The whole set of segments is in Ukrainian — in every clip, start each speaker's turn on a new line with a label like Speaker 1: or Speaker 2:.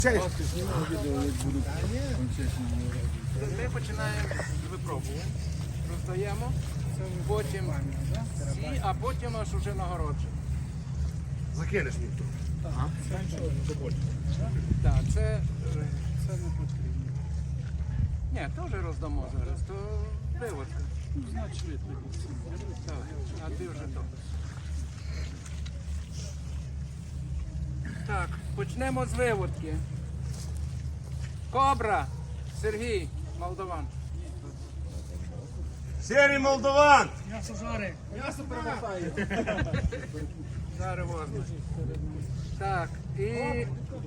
Speaker 1: Ми починаємо з випробування. Роздаємо, потім всі, а потім аж уже нагородження.
Speaker 2: Закинеш мені тут.
Speaker 1: Так, це не потрібно. Ні, теж роздамо зараз, то виводка. Значить, так, а ти вже то. Так, почнемо з виводки. Кобра, Сергій, Молдаван.
Speaker 2: Сірий молдаван!
Speaker 1: Зараз возьме. Так, і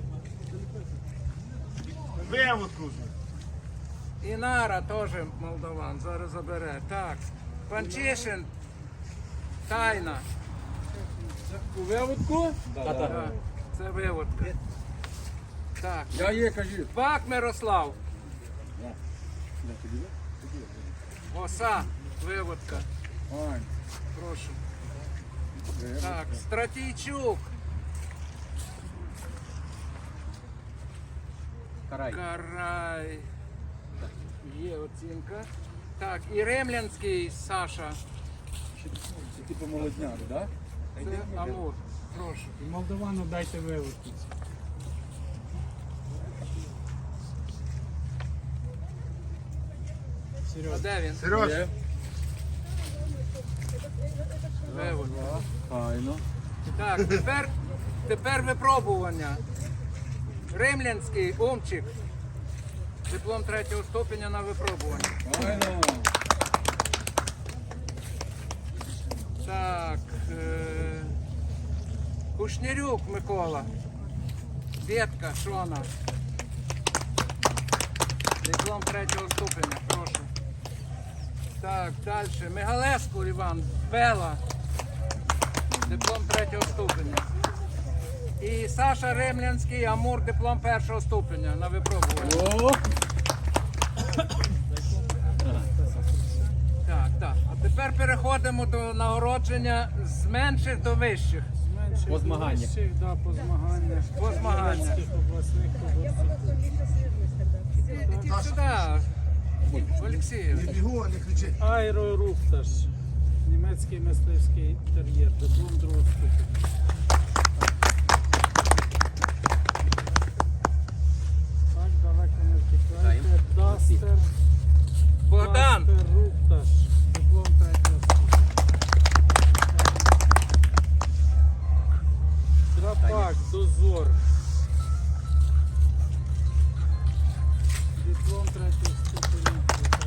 Speaker 2: Виводку.
Speaker 1: Інара теж Молдаван, зараз забере. Так, Панчишин, Тайна.
Speaker 3: У виводку?
Speaker 1: Так, це виводка. Так,
Speaker 3: Я є, кажу.
Speaker 1: Бак Мирослав. Оса, виводка.
Speaker 3: Ой.
Speaker 1: Прошу. Так, Стратійчук. Карай. Є оцінка. Так, і Ремлянський Саша.
Speaker 3: Типу молодняк, так?
Speaker 1: Це Амур. Прошу.
Speaker 4: І Молдовану дайте виводку.
Speaker 1: А де він?
Speaker 2: Сереж,
Speaker 1: Виводка.
Speaker 3: Файно.
Speaker 1: Так, тепер випробування. Римлянський Умчик. Диплом 3-го ступеня на випробування.
Speaker 3: Файно.
Speaker 1: Так. Кушнірюк Микола. Ветка Шона. Диплом 3-го ступеня, прошу. Так, далі. Мегалеску Іван. Бела. Диплом 3-го ступеня. І Саша Ремлянський, Амур, диплом 1-го ступеня на випробування.
Speaker 3: О!
Speaker 1: Так. А тепер переходимо до нагородження з менших до вищих.
Speaker 4: Зменшить
Speaker 3: По змаганнях.
Speaker 4: вищих, да, по змаганнях.
Speaker 1: По змаганнях.
Speaker 4: Європейських, обласних,
Speaker 1: Ідіть сюди, Олексій.
Speaker 2: не бігу, не кричи.
Speaker 4: Аерорупташ. Німецький мисливський тер'єр. Диплом 2-го ступеня. Так, далеко не втікайте. Дастер.
Speaker 1: Богдан.
Speaker 4: Дастер Рупташ. Диплом 3-го ступеня. Драпак. Дозор. Диплом 3-го ступеня.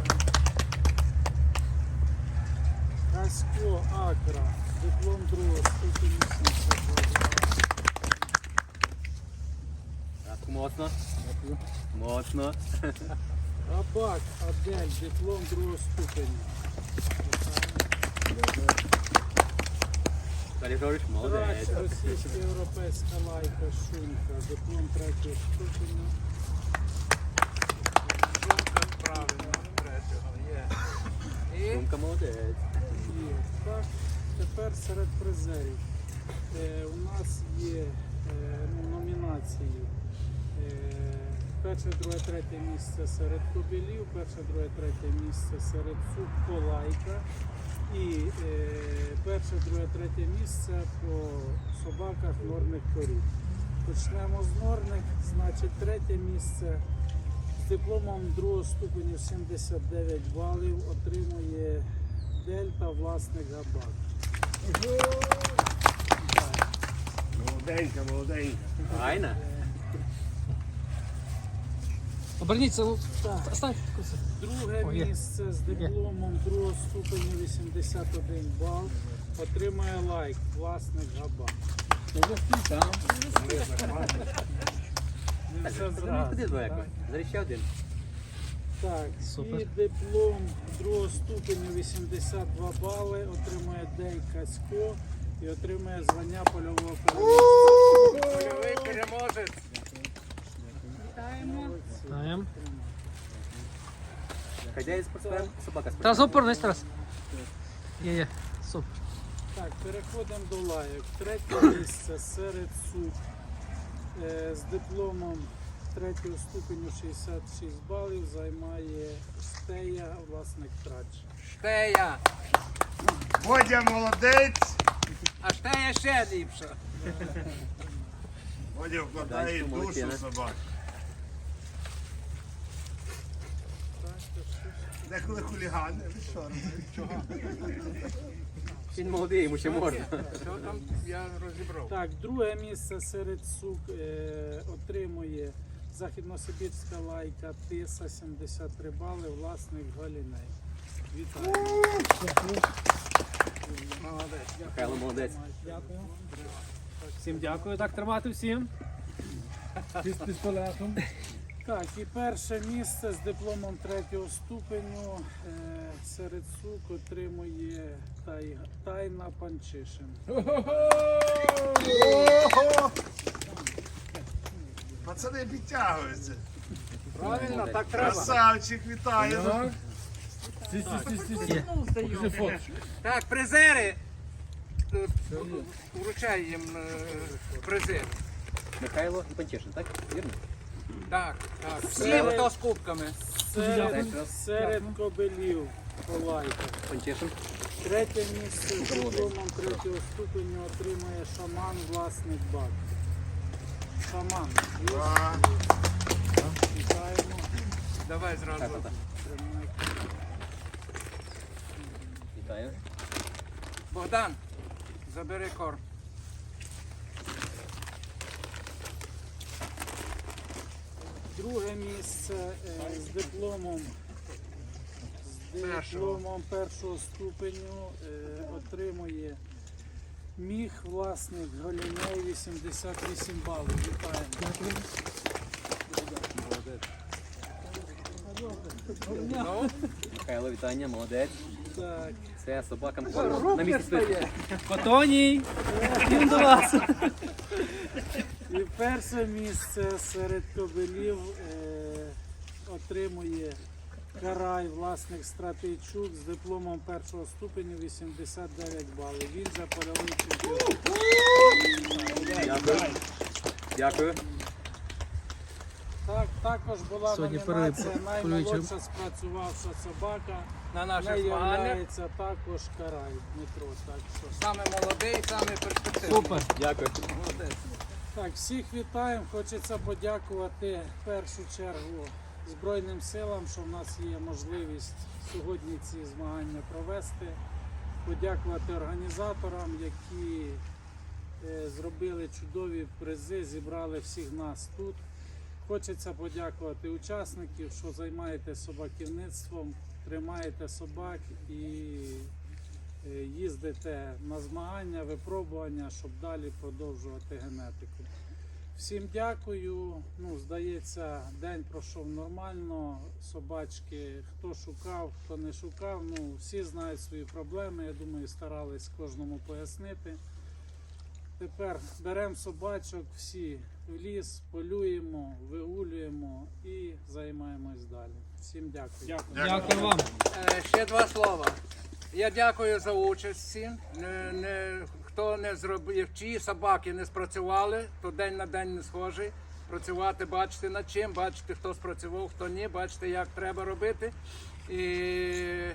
Speaker 4: Касько Акра. Диплом 2-го ступеня. 72.
Speaker 3: Так, моцно. Моцно.
Speaker 4: Рабак Адель. Диплом 2-го ступеня.
Speaker 3: Далі говориш,
Speaker 4: Трач,
Speaker 3: молодець.
Speaker 4: російська європейська лайка Шунка. Диплом 3-го ступеня.
Speaker 1: Сумка правильно, 3-го є. І
Speaker 3: Сумка молодець.
Speaker 4: Є. Так, тепер серед призерів. У нас є номінації. Перше, друге, третє місце серед кобилів, перше, друге, третє місце серед субполайка і перше, друге, третє місце по собаках норних порід. Почнемо з норних, значить третє місце з дипломом 2-го ступеню 79 балів отримує Дельта власник Габак.
Speaker 2: Молоденька, молоденька.
Speaker 3: Файна.
Speaker 5: Оберніться, стань.
Speaker 4: Друге місце з дипломом 2-го ступеню 81 бал отримує лайк власник Габак.
Speaker 3: Там.
Speaker 4: Не все
Speaker 3: Куди
Speaker 4: зразу.
Speaker 3: далеко? Зараз ще один.
Speaker 4: Так,
Speaker 5: Супер.
Speaker 4: і диплом 2-го ступеню 82 бали отримує Дей Касько і отримує звання польового переможця.
Speaker 1: польовий переможець.
Speaker 5: Знаємо.
Speaker 3: Хазяїн спортсмен, собака спортсмен.
Speaker 5: Тарас, опорнись, Тарас. Є. Супер.
Speaker 4: Так, переходимо до лайок. Третє місце серед суд з дипломом третього ступеню 66 балів займає Штея, власник трач.
Speaker 1: Штея.
Speaker 2: Бодя молодець.
Speaker 1: А штея ще ліпша.
Speaker 2: Бодя вкладає
Speaker 3: Данчик молодець,
Speaker 2: душу
Speaker 3: не?
Speaker 2: собак. Деколи хулігани. Ви що робите?
Speaker 3: Він молодий, йому ще можна.
Speaker 1: Що там я розібрав?
Speaker 4: Так, друге місце серед сук отримує Західносибірська лайка Тиса, 73 бали, власник Галіней. Вітаю.
Speaker 1: Молодець.
Speaker 3: Михайло молодець.
Speaker 5: Дякую. Всім дякую. Так тримати всім. З пістолетом.
Speaker 4: Так, і перше місце з дипломом третього ступеню серед сук отримує Тайна Панчишин.
Speaker 2: Ого! Пацани підтягуються.
Speaker 1: Правильно, так треба.
Speaker 2: Красавчик, вітаю.
Speaker 1: Так, призери. Вручай їм призи.
Speaker 3: Михайло і Панчишин, так? Вірно?
Speaker 1: Так, так. Всі, хто з кубками.
Speaker 4: Серед кобелів Полайка.
Speaker 3: Панчишин.
Speaker 4: Третє місце з дипломом третього ступеню отримує Шаман, власник бак. Шаман.
Speaker 2: А,
Speaker 4: Вітаємо.
Speaker 1: Давай зразу.
Speaker 3: Так.
Speaker 4: Тримай.
Speaker 3: Вітаю.
Speaker 1: Богдан, забери корм.
Speaker 4: Друге місце з дипломом першого ступеню отримує Міг, власник Галіней, 88 балів. Вітаємо.
Speaker 1: Ну,
Speaker 3: Михайло, вітання, молодець.
Speaker 4: Так.
Speaker 3: Це собакам корм. На місці стоїть.
Speaker 5: Котоній. Їм до вас.
Speaker 4: І перше місце серед кобелів отримує Карай, власник Стратейчук з дипломом першого ступеню, 89 балів. Він же польовий чемпіон.
Speaker 3: Дякую. Дякую.
Speaker 4: Так, також була
Speaker 5: Сьогодні
Speaker 4: номінація
Speaker 5: перелив
Speaker 4: наймолодша спрацювавша собака.
Speaker 1: на
Speaker 4: Не
Speaker 1: наших змаганнях
Speaker 4: являється також Карай Дмитро. Так, що.
Speaker 1: саме молодий, саме перспективний.
Speaker 5: Супер.
Speaker 3: Дякую.
Speaker 1: Молодець.
Speaker 4: Так, всіх вітаємо. Хочеться подякувати в першу чергу Збройним силам, що в нас є можливість сьогодні ці змагання провести. Подякувати організаторам, які зробили чудові призи, зібрали всіх нас тут. Хочеться подякувати учасників, що займаєтесь собаківництвом, тримаєте собак і їздите на змагання, випробування, щоб далі продовжувати генетику. Всім дякую. Ну, здається, день пройшов нормально. Собачки, хто шукав, хто не шукав. Ну, всі знають свої проблеми. Я думаю, старались кожному пояснити. Тепер беремо собачок, всі в ліс, полюємо, вигулюємо і займаємось далі. Всім дякую.
Speaker 5: Дякую вам.
Speaker 1: Ще два слова. Я дякую за участь всім. Хто не зробив, чиї собаки не спрацювали, то день на день не схожий. Працювати, бачити над чим, бачити, хто спрацював, хто ні, бачити, як треба робити. І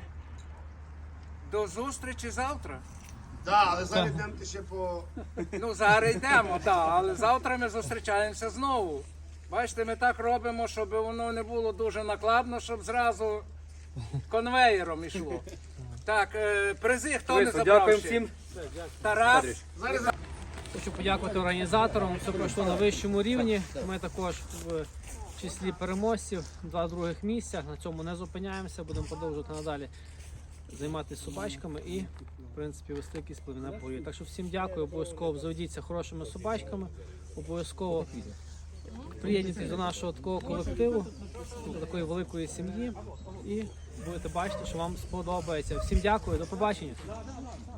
Speaker 1: до зустрічі завтра.
Speaker 2: да, але зараз йдемо ще по...
Speaker 1: Ну, зараз йдемо, так, але завтра ми зустрічаємося знову. Бачите, ми так робимо, щоб воно не було дуже накладно, щоб зразу конвеєром йшло. Так, призи хто не забрав
Speaker 3: Дякуємо
Speaker 1: ще?
Speaker 3: всім.
Speaker 1: Тарас.
Speaker 5: Хочу подякувати організаторам. Все пройшло на вищому рівні. Ми також в числі переможців, 2 других місця. На цьому не зупиняємося, будемо продовжувати надалі займатися собачками і, в принципі, вести якісь племена бої. Так що всім дякую, обов'язково заведіться хорошими собачками, обов'язково приєднуйтесь до нашого такого колективу, до такої великої сім'ї і будете бачити, що вам сподобається. Всім дякую, до побачення.